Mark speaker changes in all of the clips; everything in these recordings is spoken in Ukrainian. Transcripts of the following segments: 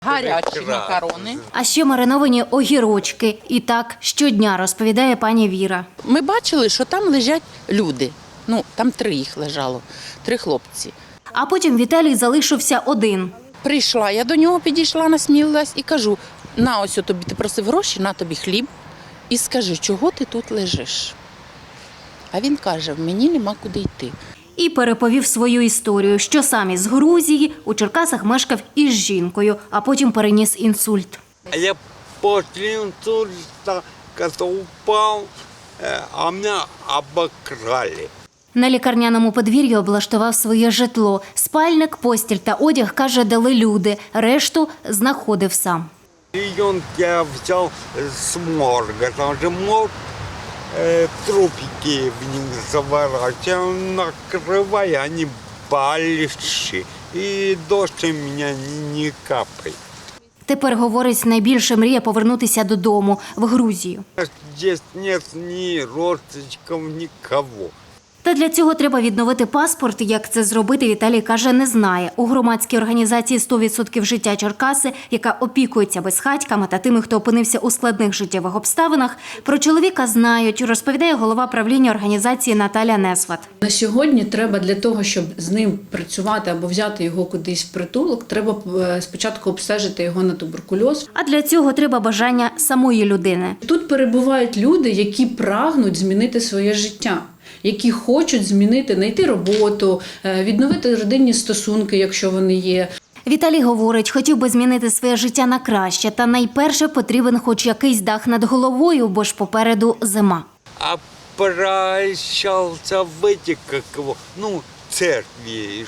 Speaker 1: Гарячі макарони.
Speaker 2: А ще мариновані огірочки. І так щодня, розповідає пані Віра.
Speaker 1: Ми бачили, що там лежать люди. Там 3 їх лежало, 3 хлопці.
Speaker 2: А потім Віталій залишився один.
Speaker 1: Прийшла, я до нього підійшла, насмілилась і кажу, на ось тобі, ти просив гроші, на тобі хліб. І скажи, чого ти тут лежиш? А він каже, мені нема куди йти.
Speaker 2: І переповів свою історію, що сам із Грузії у Черкасах мешкав із жінкою, а потім переніс інсульт.
Speaker 3: Я после инсульта, когда упал, а меня обокрали.
Speaker 2: На лікарняному подвір'ї облаштував своє житло. Спальник, постіль та одяг, каже, дали люди. Решту знаходив сам.
Speaker 3: Ребенка я взял с морга, там же морг, трупики в них заворачивал, накрывая, они большие. И дождь у меня не капает.
Speaker 2: Тепер, говорить, найбільше мріє повернутися додому, в Грузію.
Speaker 3: Здесь нет ни родственников, никого.
Speaker 2: Та для цього треба відновити паспорт. Як це зробити, Віталій каже, не знає. У громадській організації «100% життя Черкаси», яка опікується безхатьками та тими, хто опинився у складних життєвих обставинах, про чоловіка знають, розповідає голова правління організації Наталя Несват.
Speaker 4: На сьогодні треба для того, щоб з ним працювати або взяти його кудись в притулок, треба спочатку обстежити його на туберкульоз.
Speaker 2: А для цього треба бажання самої людини.
Speaker 4: Тут перебувають люди, які прагнуть змінити своє життя, які хочуть змінити, знайти роботу, відновити родинні стосунки, якщо вони є.
Speaker 2: Віталій говорить, хотів би змінити своє життя на краще, та найперше потрібен хоч якийсь дах над головою, бо ж попереду зима.
Speaker 3: А прощался в эти, как его, церкви,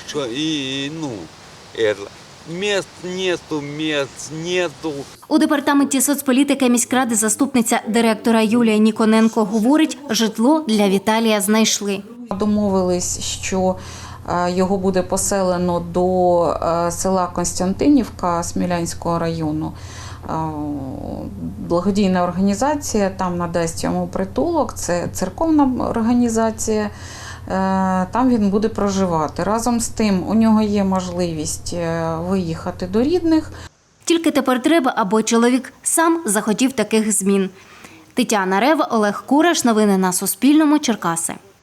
Speaker 3: мест нету.
Speaker 2: У департаменті соцполітики міськради заступниця директора Юлія Ніконенко говорить, житло для Віталія знайшли.
Speaker 5: Домовились, що його буде поселено до села Константинівка Смілянського району. Благодійна організація там надасть йому притулок, це церковна організація. Там він буде проживати. Разом з тим у нього є можливість виїхати до рідних.
Speaker 2: Тільки тепер треба, аби чоловік сам захотів таких змін. Тетяна Рева, Олег Кураш. Новини на Суспільному. Черкаси.